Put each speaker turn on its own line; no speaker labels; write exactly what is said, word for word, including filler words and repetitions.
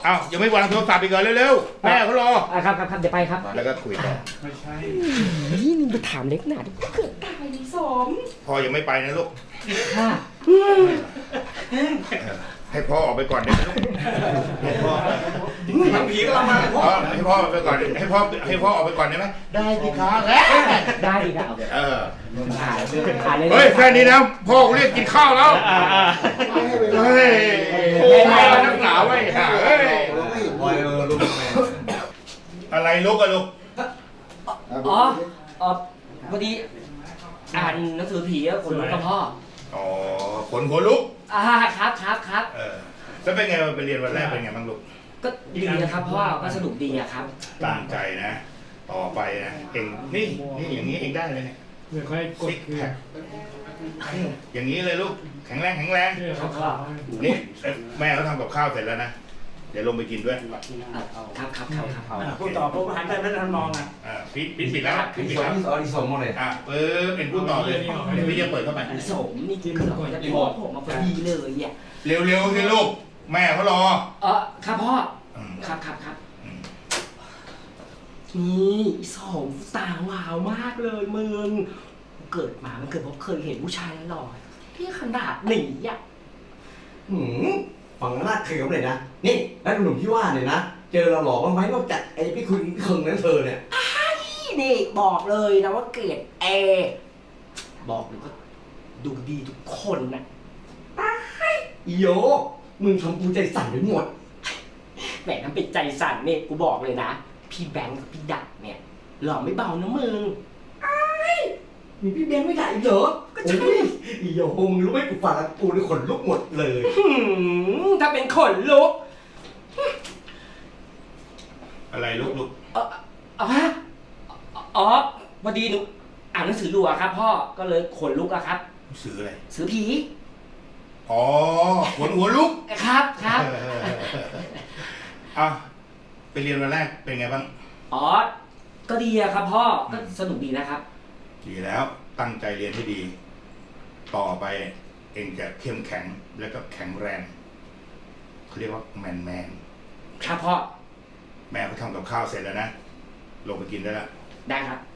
อ้าวยังไม่วางโทรศัพท์อีกเหรอเร็วๆแม่เขารอ
อ่ะครับครับครับเดี๋ยวไปครับ
แล้วก็คุยต่อ
ไม่ใช่
นี่มึงไปถามเล็กหนาดิเกิดตายดิสม
พ่อยังไม่ไปนะลูก
ค่ะ
ให้พ่อออกไปก่อนเดี๋ยวลูกให้พ่อ
ทางผีก็มาเลยพ่อ
อ๋อให้พ่อออกไปก่อนให้พ่อให้พ่อออกไปก่อนได้ไหมได้สิครับ
ได้ดีครับ
เออ
ถ่ายถ่ายเลย
เฮ้ยแค่นี้นะพ่อกูเรียกกินข้าวแล้วเฮ้ยโอ้ยนักหนาไว้ห่าเฮ้ยอะไรลูกอะลูก
อ๋ออ๋อพอดีอ่านหนังสือผีอะคนลุกกับพ่อ
อ๋อขนหัวลุก
อ่าครับครับครับ
เออแล้วเป็นไงไปเรียนวันแรกเป็นไงบ้างลูก
ก็ดีนะครับพ่อก็สนุกดีอะครับ
ตั้งใจนะ ต่อไปนะเองนี่นี่อย่างนี้เองได้เลยเนี่ย
เดี๋ยวค่อยกด
ซิก
คือ
แพคอย่างนี้เลยลูกแข็งแรงแข็งแรง
เดี๋ยวเขาเข้า
นี่แม่เขาทำกับข้าวเสร็จแล้วนะเดี๋ยวลงไปกินด้วย
ครับครับครับครับ
พูดต่อปุ๊บหันไปไม่ทันมองอ่ะ
อ่าปิดปิดปิดแล้วปิดปิด
สอ
แล้ว
งอ๋อที่สองหมดเลย
อ่ะเปิดเป็นผู้ต่อเลยเดี๋ยวพี่จะเปิดเข้าไป
สมนี่เกือบจะพ่อผมมาพอดีเลยอ่ะ
เร็วๆสิลูกแม่เขารอ
เออครับพ่อ
อืม
ครับครับครับ
อืม
นี่สมตาหวาวมากเลยมึงเกิดมามันเกิดเพราะเคยเห็นผู้ชายหล่อที่ขนาดนี้อ่ะ
หืมฝั่งหน้าเขียวเลยนะ นี่แล้วหนุ่มที่ว่าเนี่ยนะ เจอเราหลอกบ้างไหมนอกจากไอ้พี่คุณพี่เคิงนั้นเธอเนี่ย
นี่บอกเลยนะว่าเกรดเอบอกเลยว่าดูดีทุกคนนะ
อีโยมึงทำกูใจสั่นไปหมด
แหมทำเป็นใจสั่นเนี่ยกูบอกเลยนะ พี่แบงค์กับพี่ดักเนี่ยหล่อไม่เบานะมึง
มีพี่แบงค์ไม่ได้อีกเหรอก็ใช่อีโยมึงรู้ไหมกูฟังแล้วกูนี่ขนลุกหมดเลย
หืมถ้าเป็นขนลุก
อะไรลูกลูก
เออเอาฮะอ๋อพอดีหนูอ่านหนังสืออยู่อะครับ พ่อก็เลยขนลุกอะครับ
ซื้ออะไร
สือผี
อ๋อขนหัวลุก
ครับครับ
อ่ะไปเรียนวันแรกเป็นไงบ้าง
อ๋อก็ดีอะครับ พ่อก็สนุกดีนะครับ
ดีแล้วตั้งใจเรียนให้ดี ต่อไปเองจะเข้มแข็งแล้วก็แข็งแรงเขาเรียกว่าแมนแมน
ครับพ่อ
แม่เขาทำกับข้าวเสร็จแล้วนะลงไปกินได้แล้ว
ได้ครับ